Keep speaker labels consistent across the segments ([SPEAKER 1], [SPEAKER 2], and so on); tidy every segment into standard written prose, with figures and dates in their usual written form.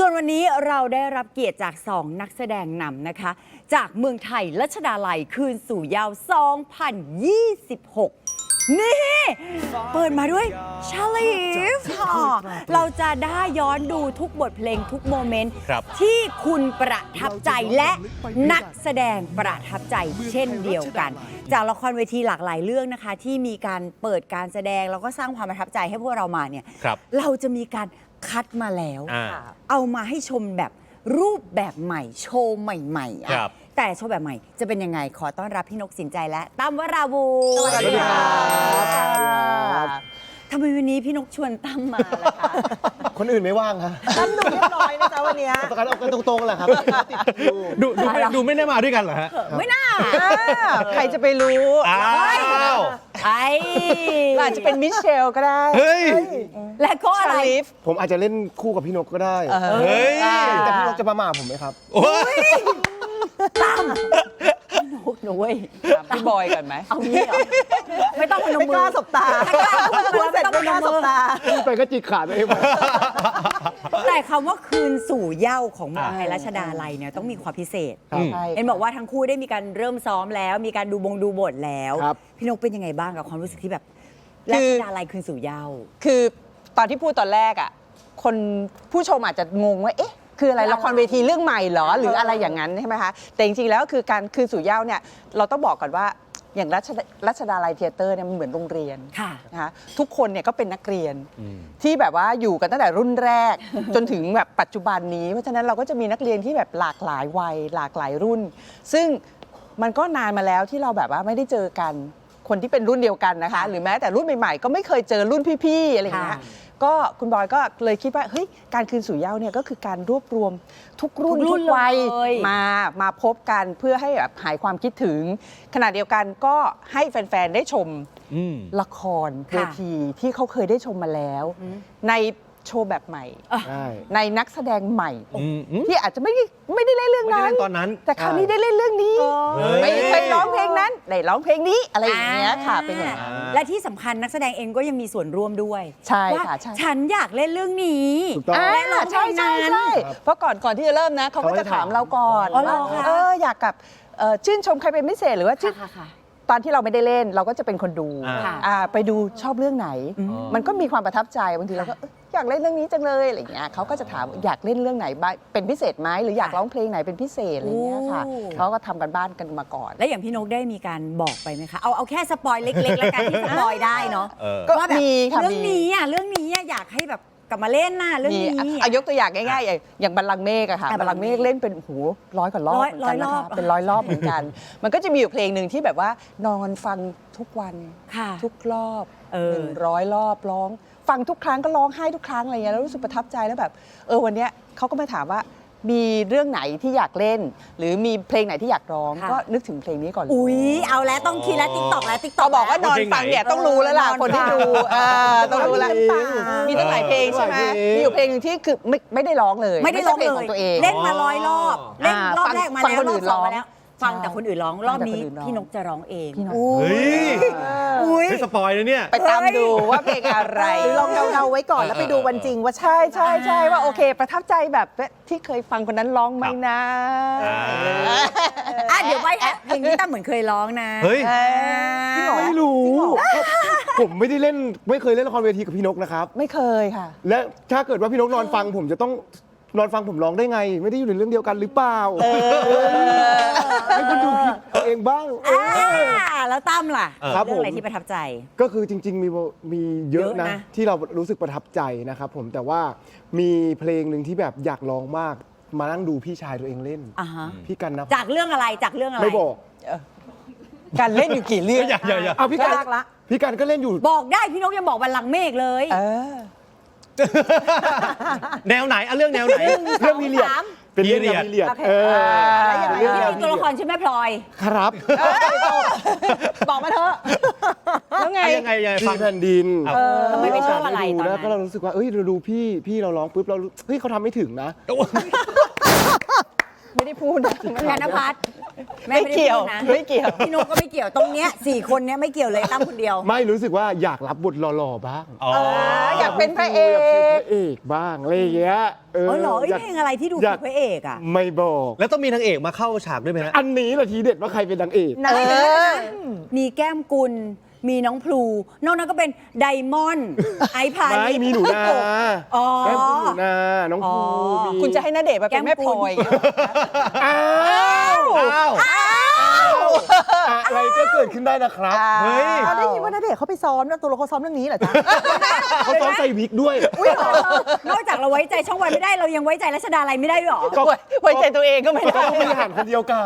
[SPEAKER 1] วนวันนี้เราได้รับเกียรติจาก2นักแสดงนำนะคะจากเมืองไทยรัชดาลัยคืนสู่เยาว์2026 นี่เปิดมาด้วยชาลีฟค่ะเราจะได้ย้อนดูทุกบทเพลงทุกโมเมนต์ที่คุณประทับใจและนักแสดงประทับใจเช่นเดียวกันจากละครเวทีหลากหลายเรื่องนะคะที่มีการเปิดการแสดงแล้วก็สร้างความประทับใจให้พวกเรามาเนี่ยเราจะมีการคัดมาแล้วเอามาให้ชมแบบรูปแบบใหม่โชว์ใหม่ๆแต่โชว์แบบใหม่จะเป็นยังไงขอต้อนรับพี่นกสินใจและตั้มวราวุธสวัสดีครับทำไมวันนี้พี่นกชวนตั้มมาล่ะคะ
[SPEAKER 2] คนอื่นไม่ว่างครับ
[SPEAKER 3] ตั้มดูเรียบร้อยนะจ๊ะวันนี้
[SPEAKER 2] ประกันเอากันตรงๆแหละครับ
[SPEAKER 4] ดูไม่ได้มาด้วยกันเหรอฮะ
[SPEAKER 1] ไม่น่า
[SPEAKER 3] ใครจะไปรู้
[SPEAKER 1] ไอ้
[SPEAKER 3] อาจจะเป็นมิเชลก็ได้
[SPEAKER 1] และก็อะไร
[SPEAKER 2] ผมอาจจะเล่นคู่กับพี่นกก็ได้แต่พี่นกจะมาหม่าผมไหมครับ
[SPEAKER 1] ตั้มพี่นกหนูเว้ย
[SPEAKER 3] พี่บอยกันไหม
[SPEAKER 1] เอางี้เหรอไม่ต้องพนมมือ
[SPEAKER 3] ไม่กล้าสบตา
[SPEAKER 1] ไม่ต้องพนมมือ
[SPEAKER 2] ไปก็จิกขาดเอง
[SPEAKER 1] แต่คำว่าคืนสู่เหย้าของเมืองไทยรัชดาลัยเนี่ยต้องมีความพิเศษเอ็นบอกว่าทั้งคู่ได้มีการเริ่มซ้อมแล้วมีการดูบทแล้วพี่นกเป็นยังไงบ้างกับความรู้สึกที่แบบรัชดาลัยคืนสู่เหย้า
[SPEAKER 3] คือตอนที่พูดตอนแรกอ่ะคนผู้ชมอาจจะงงว่าเอ๊ะคืออะไรละครเวทีเรื่องใหม่เหรอหรืออะไรอย่างนั้นใช่ไหมคะแต่จริงๆแล้วคือการคืนสู่เหย้าเนี่ยเราต้องบอกก่อนว่าอย่างรัชดาลัยเธียเตอร์เนี่ยมันเหมือนโรงเรียนนะคะทุกคนเนี่ยก็เป็นนักเรียนที่แบบว่าอยู่กันตั้งแต่รุ่นแรกจนถึงแบบปัจจุบันนี้เพราะฉะนั้นเราก็จะมีนักเรียนที่แบบหลากหลายวัยหลากหลายรุ่นซึ่งมันก็นานมาแล้วที่เราแบบว่าไม่ได้เจอกันคนที่เป็นรุ่นเดียวกันนะคะหรือแม้แต่รุ่นใหม่ๆก็ไม่เคยเจอรุ่นพี่ๆอะไรอย่างเงี้ยก็คุณบอยก็เลยคิดว่าเฮ้ยการคืนสู่เหย้าเนี่ยก็คือการรวบรวมทุกรุ่นทุกวัยมาพบกันเพื่อให้แบบหายความคิดถึงขณะเดียวกันก็ให้แฟนๆได้ชมละครเวทีที่เขาเคยได้ชมมาแล้วในโชว์แบบใหม่ในนักแสดงใหม่ที่อาจจะไม่ได้เล่นเรื่องนั้นแต่คราวนี้ได้เล่นเรื่องนี้ไม่เคยร้องเพลงนั้นได้ร้องเพลงนี้อะไรอย่างเงี้ยค่ะเป็นอย่างนั้น
[SPEAKER 1] และที่สำคัญนักแสดงเองก็ยังมีส่วนร่วมด้วย
[SPEAKER 3] ใช่ค่ะ
[SPEAKER 1] ฉันอยากเล่นเรื่องนี้
[SPEAKER 3] ใช่เพราะก่อนที่จะเริ่มนะเขาก็จะถามเราก่อนว่าอยากกับชื่นชมใครเป็นพิเศษหรือว่าตอนที่เราไม่ได้เล่นเราก็จะเป็นคนดูไปดูชอบเรื่องไหนมันก็มีความประทับใจบางทีเราก็อยากเล่นเรื่องนี้จังเลยอะไรเงี้ยเขาก็จะถามอยากเล่นเรื่องไหนเป็นพิเศษไหมหรืออยากร้องเพลงไหนเป็นพิเศษอะไรเงี้ยค่ะเขาก็ทำกันบ้านกันมาก่อน
[SPEAKER 1] แล้วอย่างพี่นกได้มีการบอกไปไหมคะเอาแค่สปอยเล็กๆแล้วกันที่สปอยได้เนาะ
[SPEAKER 3] ก็มีค่ะ
[SPEAKER 1] เรื่องนี้อยากให้แบบกลับมาเล่นน่ะเรื่องนี้
[SPEAKER 3] ยกตัวอย่างง่ายๆอย่างบัลลังก์เมฆอะค่ะบัลลังก์เมฆเล่นเป็น100 กว่ารอบเหมือนกันนะคะเป็น100 รอบเหมือนกันมันก็จะมีอยู่เพลงหนึ่งที่แบบว่านอนฟังทุกวันทุกรอบ100 รอบร้องฟังทุกครั้งก็ร้องไห้ทุกครั้งอะไรเงี้ยแล้วรู้สึกประทับใจแล้วแบบวันนี้เขาก็มาถามว่ามีเรื่องไหนที่อยากเล่นหรือมีเพลงไหนที่อยากร้องก็นึกถึงเพลงนี้ก่อน
[SPEAKER 1] อุ๊ยเอาแล้วต้องคิดแล้วติ๊กต็อกแล้วติ๊กต็อก
[SPEAKER 3] บอกว่านอนฟังเนี่ยต้องรู้แล้วล่ะคนที่ดูต้องรู้แล้วมีตั้งหลายเพลงใช่ไหมมีอยู่เพลงนึงที่คือไม่ได้ร้องเลย
[SPEAKER 1] ไม่ได้ร้องเลย
[SPEAKER 3] ของตัวเอง
[SPEAKER 1] เล่นมา100 รอบเล่นรอบแรกมาแล้วรอบ2มาแล้วฟังแต่คนอื่นร้องรอบนี้พี่นกจะร้องเอง
[SPEAKER 4] ไม่สปอยเลยเนี่ย
[SPEAKER 3] ไปตามดูว่าเพลงอะไร
[SPEAKER 5] หรือลองเดาไว้ก่อนแล้วไปดูวันจริงว่า
[SPEAKER 3] ใช่ว่าโอเคประทับใจแบบที่เคยฟังคนนั้นร้องไหมนะ
[SPEAKER 1] เดี๋ยวไปเพลงนี้ตั้มเหมือนเคยร้องนะ
[SPEAKER 4] เฮ้ย
[SPEAKER 2] ไม่รู้ผมไม่ได้เล่นไม่เคยเล่นละครเวทีกับพี่นกนะครับ
[SPEAKER 3] ไม่เคยค่ะ
[SPEAKER 2] และถ้าเกิดว่าพี่นกนอนฟังผมจะต้องนอนฟังผมร้องได้ไงไม่ได้อยู่ในเรื่องเดียวกันหรือเปล่าให้คุณดูคิดเองบ้าง
[SPEAKER 1] แล้วตั้มล่ะ
[SPEAKER 2] ครับ
[SPEAKER 1] เรื่องอะไรที่ประทับใจ
[SPEAKER 2] ก็คือจริงๆมีเยอะนะที่เรารู้สึกประทับใจนะครับผมแต่ว่ามีเพลงหนึ่งที่แบบอยากร้องมากมานั่งดูพี่ชายตัวเองเล่นพี่กันนะ
[SPEAKER 1] จากเรื่องอะไร
[SPEAKER 2] ไม่บอก
[SPEAKER 3] การเล่นอยู่กี่เรื่อง
[SPEAKER 2] เอาพี่กันก็เล่นอยู่
[SPEAKER 1] บอกได้พี่นกยังบอกบัลลังก์เมฆเลย
[SPEAKER 4] แนวไหนเรื่องแนวไหน
[SPEAKER 2] เรื่องพีเรียดเป็นเรื่องพีเรียด
[SPEAKER 1] ที่มีตัวละครชื่อแม่พลอย
[SPEAKER 2] ครับ
[SPEAKER 3] บอกมาเถอะ
[SPEAKER 4] แล้วไง
[SPEAKER 2] ฟังแผ่นดิน
[SPEAKER 1] ทำไมไม่ชอบอะไรตอนนั้น
[SPEAKER 2] ก็เรารู้สึกว่าเราดูพี่เราร้องปุ๊บเราเขาทำไม่ถึงนะ
[SPEAKER 3] ไม่ได้พูดนะ
[SPEAKER 1] ธนภัทรแม่
[SPEAKER 3] ไม่
[SPEAKER 1] ไม่ได้
[SPEAKER 3] เกี่ยว
[SPEAKER 1] พูดนะ
[SPEAKER 3] ไม่เกี่ยว
[SPEAKER 1] พี่นุ๊กก็ไม่เกี่ยวตรงเนี้ย4 คนเนี้ยไม่เกี่ยวเลยตั้มคนเดียว
[SPEAKER 2] ไม่รู้สึกว่าอยากรับบทหล่อๆบ้าง
[SPEAKER 4] อ๋อ
[SPEAKER 3] อยากเป็นพระเอ
[SPEAKER 2] อยากเป็นพ
[SPEAKER 3] ก
[SPEAKER 2] ระเอกบ้างอะไรอย่างเงี้ย
[SPEAKER 1] อ๋อเหรอ
[SPEAKER 2] อยาก
[SPEAKER 1] เพลงอะไรที่ดู
[SPEAKER 2] อ
[SPEAKER 1] เป็
[SPEAKER 2] ยาก
[SPEAKER 1] นพระเอกอ่ะ
[SPEAKER 2] ไม่บอก
[SPEAKER 4] แล้วต้องมีนางเอกมาเข้าฉากด้วยไหมฮะ
[SPEAKER 2] อันนี้แหละทีเด็ดว่าใครเป็นนางเอก
[SPEAKER 5] นะ
[SPEAKER 1] มีแก้มกุล มีน้องพลู นอกนั้นก็เป็นไดมอนด์ ไอพา
[SPEAKER 2] ไม่
[SPEAKER 1] นิช
[SPEAKER 2] มีหนูนา
[SPEAKER 1] อ๋อ
[SPEAKER 2] แก้มคุณหนูนา น้องภู
[SPEAKER 1] อ๋อ
[SPEAKER 2] มี
[SPEAKER 3] คุณจะให้ณเดชน์มาเป็นแม่พลอย
[SPEAKER 2] อ้าว
[SPEAKER 4] อ้าว
[SPEAKER 2] อะไรก็เกิดขึ้นได้นะครับ
[SPEAKER 4] เฮ้ย
[SPEAKER 5] เราได้ยินว่าณเดชน์เขาไปซ้อมแล้วตัวเราเขาซ้อมเรื่องนี้เหรอจ๊ะ
[SPEAKER 2] เขาต้องใส่วิกด้วย
[SPEAKER 1] นอกจากเราไว้ใจช่องวันไม่ได้เรายังไว้ใจรัชดาลัยไม่ได้ด้วยเหรอ
[SPEAKER 2] ก็
[SPEAKER 3] ไว้ใจตัวเองก็ไม่
[SPEAKER 2] ก็
[SPEAKER 3] ได้
[SPEAKER 2] ต้องบริหารคนเดียวกัน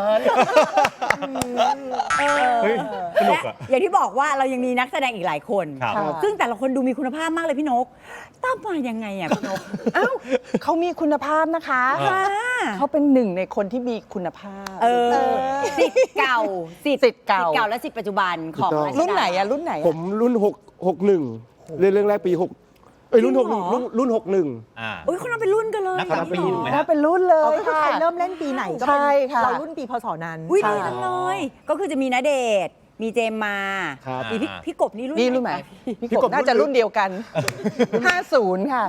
[SPEAKER 4] เฮ้ยสนุก
[SPEAKER 1] และ
[SPEAKER 4] อะ
[SPEAKER 1] อย่างที่บอกว่าเรายังมีนักแสดงอีกหลายคน
[SPEAKER 4] ครับ
[SPEAKER 3] ค่ะ
[SPEAKER 1] ซึ่งแต่ละคนดูมีคุณภาพมากเลยพี่นกตั้มมายังไงอ่ะพี่นก
[SPEAKER 3] เอ้าเขามีคุณภาพนะคะ
[SPEAKER 1] ค่ะ
[SPEAKER 3] เขาเป็นหนึ่งในคนที่มีคุณภาพ
[SPEAKER 1] สิทธิ์เก่า
[SPEAKER 3] สิทธิ์เก่า
[SPEAKER 1] และสิทธิ์ปัจจุบันของ
[SPEAKER 2] ถูกต้อง
[SPEAKER 1] รัชดา
[SPEAKER 3] รุ่นไหนอะรุ่นไหนอะ
[SPEAKER 2] ผมรุ่น61เรื่องแรกปี6รุ่น
[SPEAKER 1] จริงเหรอ
[SPEAKER 2] 61รุ่น61
[SPEAKER 4] อ่า
[SPEAKER 1] อุ้ยคนนั้นเป็นรุ่นกันเลย
[SPEAKER 4] นักการปีถูกไหม
[SPEAKER 3] ถ้า
[SPEAKER 4] ฮะ
[SPEAKER 3] เป็นรุ่นเล
[SPEAKER 5] เรา
[SPEAKER 3] ย
[SPEAKER 5] ก็คือ
[SPEAKER 3] ค่ะ
[SPEAKER 5] ใครเริ่มเล่นปีไหนก็เป็น
[SPEAKER 3] ใช่ค่ะ
[SPEAKER 5] เรารุ่นปีพศนั้น
[SPEAKER 1] อุ้ยดีจังเลย ก็คือจะมีณเดชน์มีเจมมา
[SPEAKER 2] ครับ
[SPEAKER 1] มีพี่กบนี่รุ่น
[SPEAKER 3] นี่รุ่นไหน
[SPEAKER 1] คะ
[SPEAKER 3] พี่
[SPEAKER 2] พี่
[SPEAKER 3] ก
[SPEAKER 2] ก
[SPEAKER 3] บบ น่าจะรุ่นเดียวกัน 50 ค่ะ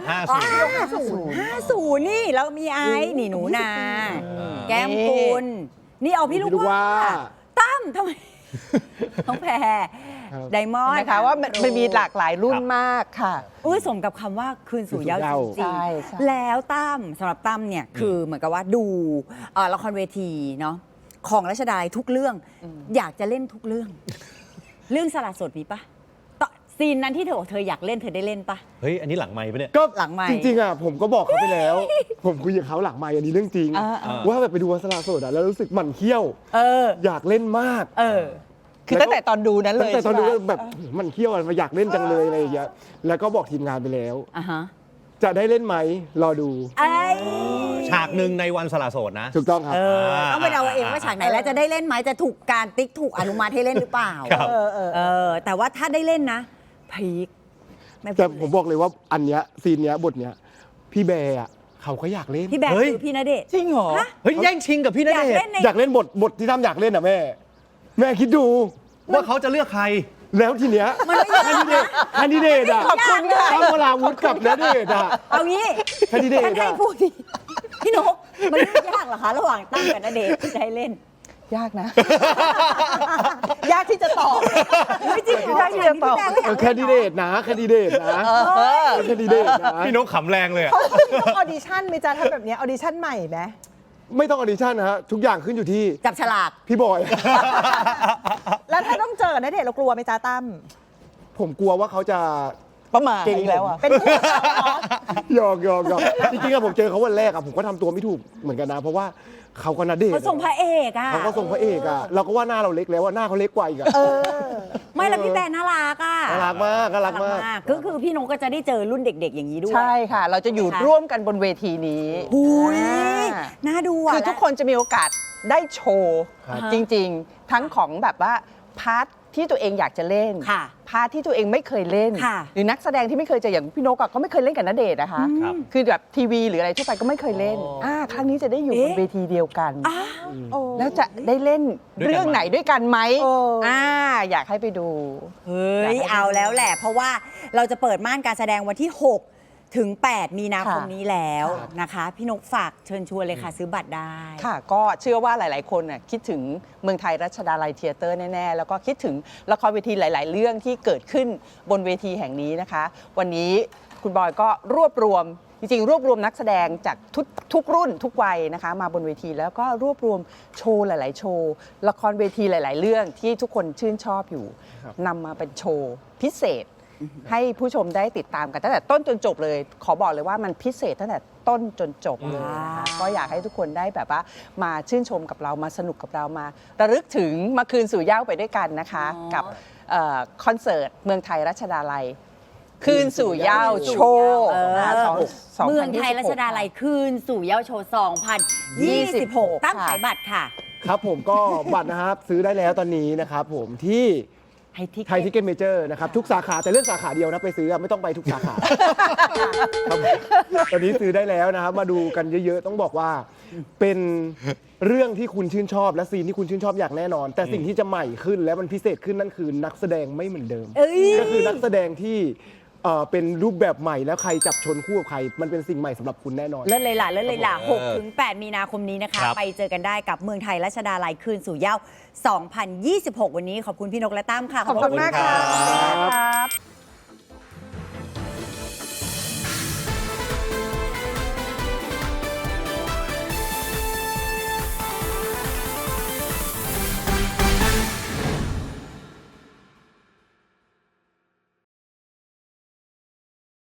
[SPEAKER 1] 50นี่แล้วมีไอ้นี่หนูนา แก้มกุลนี่เอาพี่ลูก
[SPEAKER 2] พี่ลูกว่า
[SPEAKER 1] ว่าตั้มทำไมน้องแพร
[SPEAKER 2] ครับ
[SPEAKER 1] ไดมอนด์
[SPEAKER 3] นะคะว่ามันมีหลากหลายรุ่นมากค่ะ
[SPEAKER 1] อุ้ยสมกับคำว่าคืนสู่เหย้าจริง
[SPEAKER 3] ใช่ใช่
[SPEAKER 1] ๆแล้วตั้มสำหรับตั้มเนี่ยคือเหมือนกับว่าดูละครเวทีเนาะของรัชดาลัยทุกเรื่องอยากจะเล่นทุกเรื่อง เรื่องสละโสดมีปะต่อซีนนั้นที่เธอบอกเธออยากเล่นเธอได้เล่นปะ
[SPEAKER 4] เฮ้ย อันนี้หลังไมค์ปะเนี่ย
[SPEAKER 2] ก็
[SPEAKER 1] หลังไมค์
[SPEAKER 2] จริงๆอ่ะผมก็บอกเขาไปแล้ว ผมคุยกับเขาหลังไมค์อันนี้เรื่องจริง ว่าแบบไปดูวันสละโสดอ่ะแล้วรู้สึกหมั่นเขี้ยว
[SPEAKER 1] เออ
[SPEAKER 2] อยากเล่นมาก
[SPEAKER 1] เออ
[SPEAKER 3] คือตั้งแต่ตอนดูนั้นเล
[SPEAKER 2] ตั้ง
[SPEAKER 3] ย
[SPEAKER 2] แต่ตอน
[SPEAKER 3] ใช่
[SPEAKER 2] ดู
[SPEAKER 3] ไหม
[SPEAKER 2] แบบหมันเขี้ยวอะอยากเล่นจังเลยอะไรอย่างเงี้ยแล้วก็บอกทีมงานไปแล้ว
[SPEAKER 1] อ่ะฮะ
[SPEAKER 2] จะได้เล่นไหมรอดู
[SPEAKER 1] ไอ้
[SPEAKER 4] ฉากหนึ่งในวันสละโสดนะ
[SPEAKER 2] ถูกต้องครับ
[SPEAKER 1] ต้องไปเดาเอาเองว่าฉากไหนแล้วจะได้เล่นไหมจะถูกการติ๊กถูกอนุมัติให้เล่นหรือเปล่า
[SPEAKER 4] ครับ
[SPEAKER 1] แต่ว่าถ้าได้เล่นนะพีคไม่พูด
[SPEAKER 2] แต่ผมบอกเลยว่าอันเนี้ยซีนเนี้ยบทเนี้ยพี่แบร์อะเขาก็อยากเล่น
[SPEAKER 1] พี่แบร์
[SPEAKER 4] เฮ้ย
[SPEAKER 1] คือพี่ณเดชน์
[SPEAKER 3] จริงเหรอ
[SPEAKER 1] ฮะ
[SPEAKER 4] เฮ้ย แย่งชิงกับพี่ณ
[SPEAKER 1] อยาก
[SPEAKER 4] เดช
[SPEAKER 1] เล่น
[SPEAKER 4] น์
[SPEAKER 1] ใน
[SPEAKER 2] อยากเล่นบทที่ทำอยากเล่นอ่ะแม่ แม่คิดดู
[SPEAKER 4] ว่าเขาจะเลือกใคร
[SPEAKER 2] แล้วทีเนี้ย
[SPEAKER 1] มันไม่ยาก
[SPEAKER 2] แคนดิเดตอ่ะ
[SPEAKER 3] ขอบคุณค่ะ
[SPEAKER 2] ตั้มวราวุธกับณเดชน์อ่ะ
[SPEAKER 1] เอางี้
[SPEAKER 2] แคนดิเดตอะ
[SPEAKER 1] ท่านให้พูดดิพี่นกมันไม่ยากเหรอคะระหว่างตั้งกับณเดชน์ที่จะให้เล่น
[SPEAKER 3] ยากนะ
[SPEAKER 5] ยากที่จะตอบ
[SPEAKER 1] ไม่จริงเหรอ
[SPEAKER 3] ได้ที่จะตอบ
[SPEAKER 1] พี่แบร์ก็อยาก
[SPEAKER 2] แคนดิเดตนะแคนดิเดตนะแคนดิเดตนะ
[SPEAKER 4] พี่นกขำแรงเลยอะ
[SPEAKER 5] เขาต้องออดิชั่นไหมจ๊ะทำแบบเนี้ยออดิชั่นใหม่ไหม
[SPEAKER 2] ไม่ต้องออดิชั่นนะฮะทุกอย่างขึ้นอยู่ที่
[SPEAKER 1] จับฉลาก
[SPEAKER 2] พี่บอย
[SPEAKER 5] แล้วถ้าต้องเจอกับณเดชน์เรากลัวไหมจ๊ะตั้ม
[SPEAKER 2] ผมกลัวว่าเขาจะ
[SPEAKER 3] ประมาท
[SPEAKER 2] เก่ง
[SPEAKER 3] อีกแล้วอ่ะ
[SPEAKER 5] เป็นผู้สาวเหรอ
[SPEAKER 2] หยอกจริงๆอะผมเจอเขาวันแรกอะผมก็ทำตัวไม่ถูกเหมือนกันนะ เพราะว่าเขาก็ณเดชน์
[SPEAKER 1] เขาส่งพระเอกอ่ะ
[SPEAKER 2] เขาก็ส่งพระเอกอะเราก็ว่าหน้าเราเล็กแล้วว่าหน้าเขาเล็กกว่าอีกอะ
[SPEAKER 1] ไม่แล้วพี่แบร์น่ารักอ่ะ
[SPEAKER 2] น่ารักมากน่ารักมาก
[SPEAKER 1] ก็คือพี่นกก็จะได้เจอรุ่นเด็ก ๆ อย่างนี้ด้วย
[SPEAKER 3] ใช่ค่ะ เราจะอยู่ร่วมกันบนเวทีนี้
[SPEAKER 1] หุย
[SPEAKER 3] อ่า
[SPEAKER 1] น่าดูอ่ะ
[SPEAKER 3] คือทุกคนจะมีโอกาสได้โชว์
[SPEAKER 2] ครับ
[SPEAKER 3] จริงๆ ทั้งของแบบว่าพาร์ทที่ตัวเองอยากจะเล่น
[SPEAKER 1] ค่ะ
[SPEAKER 3] พาร์ทที่ตัวเองไม่เคยเล่น
[SPEAKER 1] ค่ะ
[SPEAKER 3] หรือนักแสดงที่ไม่เคยเจออย่างพี่นกอะก็ไม่เคยเล่นกับณเดชน์นะคะ
[SPEAKER 4] ครับ
[SPEAKER 3] คือแบบทีวีหรืออะไรทั่วไปก็ไม่เคยเล่น
[SPEAKER 4] อ๋อ
[SPEAKER 3] ครั้งนี้จะได้อยู่บน
[SPEAKER 1] เอ๊ะ
[SPEAKER 3] เวทีเดียวกัน
[SPEAKER 1] อ้าว
[SPEAKER 5] โอ้
[SPEAKER 3] แล้วจะได้เล่น
[SPEAKER 4] ด้วยกันไหม
[SPEAKER 3] เรื่องไหนด้วยกันไหม
[SPEAKER 5] เออ
[SPEAKER 3] อยากให้ไปดู
[SPEAKER 1] เฮ้ยเอาแล้วแหละ เพราะว่าเราจะเปิดม่านการแสดงวันที่ 6 ถึง 8 มีนาคม
[SPEAKER 3] ค่ะ
[SPEAKER 1] นี้แล้ว
[SPEAKER 3] ค่ะ
[SPEAKER 1] นะคะ พี่นกฝากเชิญชวนเลยค่ะ ซื้อบัตรได้
[SPEAKER 3] ค่ะ ก็เชื่อว่าหลาย ๆ คนน่ะคิดถึงเมืองไทยรัชดาลัยเธียเตอร์แน่ ๆ แล้วก็คิดถึงละครเวทีหลาย ๆ เรื่องที่เกิดขึ้นบนเวทีแห่งนี้นะคะ วันนี้คุณบอยก็รวบรวม จริง ๆ รวบรวมนักแสดงจากทุกรุ่นทุกวัยนะคะ มาบนเวทีแล้วก็รวบรวมโชว์หลาย ๆ โชว์ ละครเวทีหลาย ๆ เรื่องที่ทุกคนชื่นชอบอยู่นำมาเป็นโชว์พิเศษ ให้ผู้ชมได้ติดตามกันตั้งแต่ต้นจนจบเลย ขอบอกเลยว่ามันพิเศษตั้งแต่ต้นจนจบเลยนะคะ
[SPEAKER 1] ว้าว
[SPEAKER 3] ก็อยากให้ทุกคนได้แบบว่ามาชื่นชมกับเรามาสนุกกับเรามาระลึกถึงมาคืนสู่เหย้าไปด้วยกันนะคะ กับคอนเสิร์ตเมืองไทยรัชดาลัย คืนสู่เหย้าโชว์
[SPEAKER 1] เมืองไทยรัชดาลัยคืนสู่เยาวโชว์ 2026 ตั้งขายบัตรค่ะ
[SPEAKER 2] ครับผมก็บัตรนะครับซื้อได้แล้วตอนนี้นะครับผมที่ไทยทิกเก็ตเมเจอร์นะครับทุกสาขาแต่เลือกสาขาเดียวนะไปซื้อไม่ต้องไปทุกสาขาครับตอนนี้ซื้อได้แล้วนะครับมาดูกันเยอะๆต้องบอกว่าเป็นเรื่องที่คุณชื่นชอบและซีนที่คุณชื่นชอบอย่างแน่นอน แต่สิ่งที่จะใหม่ขึ้นและมันพิเศษขึ้นนั่นคือนักแสดงไม่เหมือนเดิม
[SPEAKER 1] เอ้ย
[SPEAKER 2] ก็คือนักแสดงที่เป็นรูปแบบใหม่แล้วใครจับชนคู่กับใครมันเป็นสิ่งใหม่สำหรับคุณแน่นอน
[SPEAKER 1] เลิศเลยล่ะ6 ถึง 8 มีนาคมนี้นะคะ
[SPEAKER 4] ครับ
[SPEAKER 1] ไปเจอกันได้กับเมืองไทยรัชดาลัยคืนสู่เหย้า 2026 วันนี้ขอบคุณพี่นกและตั้มค่ะ
[SPEAKER 3] ขอบคุณมากค่ะ
[SPEAKER 2] ขอบคุณครับ